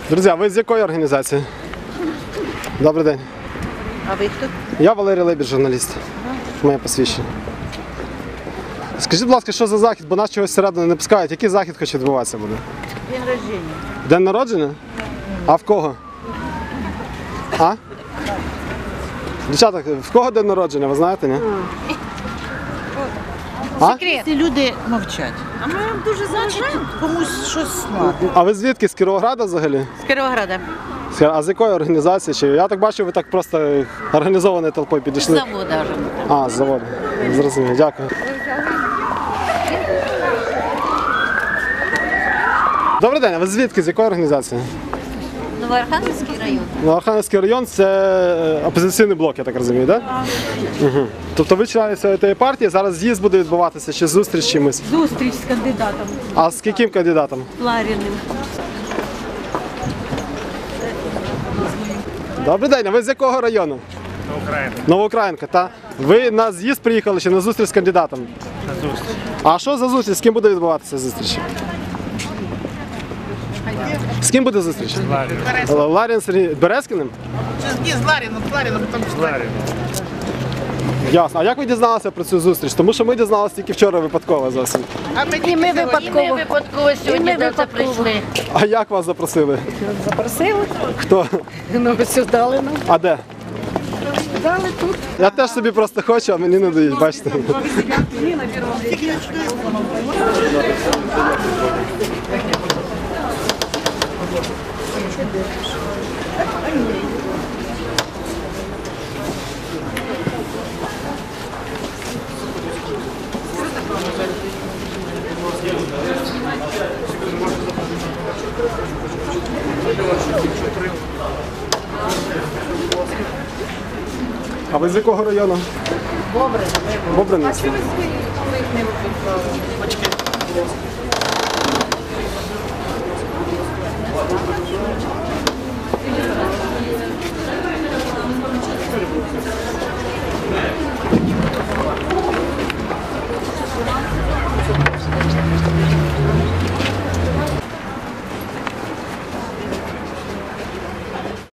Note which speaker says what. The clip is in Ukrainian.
Speaker 1: Друзі, а ви з якої організації? Добрий день.
Speaker 2: А ви хто?
Speaker 1: Я Валерій Лебідь, журналіст. Моє посвідчення. Скажіть, будь ласка, що за захід, бо нас чогось всередину не пускають. Який захід хоче відбуватися буде?
Speaker 2: День рождения.
Speaker 1: День народження? А в кого? А? Дівчата, в кого день народження, ви знаєте, ні? А?
Speaker 2: Ці люди мовчать. А ми дуже заважаємо. Комусь щось надо.
Speaker 1: А ви звідки? З Кіровограда взагалі?
Speaker 2: З Кіровограда.
Speaker 1: А з якої організації? Чи я так бачу, ви так просто організованою толпою
Speaker 2: З
Speaker 1: підійшли?
Speaker 2: завода.
Speaker 1: А, з заводу. Зрозумів, дякую. Добрий день, а ви звідки? З якої організації?
Speaker 3: Новоархангельський район.
Speaker 1: Новоархангельський район – це опозиційний блок, я так розумію, так? Угу. Тобто ви члени цієї партії, зараз з'їзд буде відбуватися, чи зустріч з чимось?
Speaker 4: Зустріч з кандидатом
Speaker 1: А з яким кандидатом?
Speaker 4: Ларіним.
Speaker 1: Добрий день, а ви з якого району? Новоукраїнка, так? Ви на з'їзд приїхали чи на зустріч з кандидатом? На зустріч. А що за зустріч? З ким буде відбуватися зустріч? З ким буде зустріч? З Ларін Сергій Березкіним?
Speaker 5: Не з Ларіном, там з Ларіном.
Speaker 1: Ясно. А як ви дізналися про цю зустріч? Тому що ми дізналися тільки вчора випадково зовсім.
Speaker 5: А ми
Speaker 2: І ми випадково сьогодні до це прийшли.
Speaker 1: А як вас запросили?
Speaker 4: Запросили?
Speaker 1: Хто?
Speaker 4: Ну, все дали нам.
Speaker 1: А де?
Speaker 4: Дали тут.
Speaker 1: Я теж собі просто хочу, а мені не дають, бачите. А ви з якого району? Бобрин. Бобрин.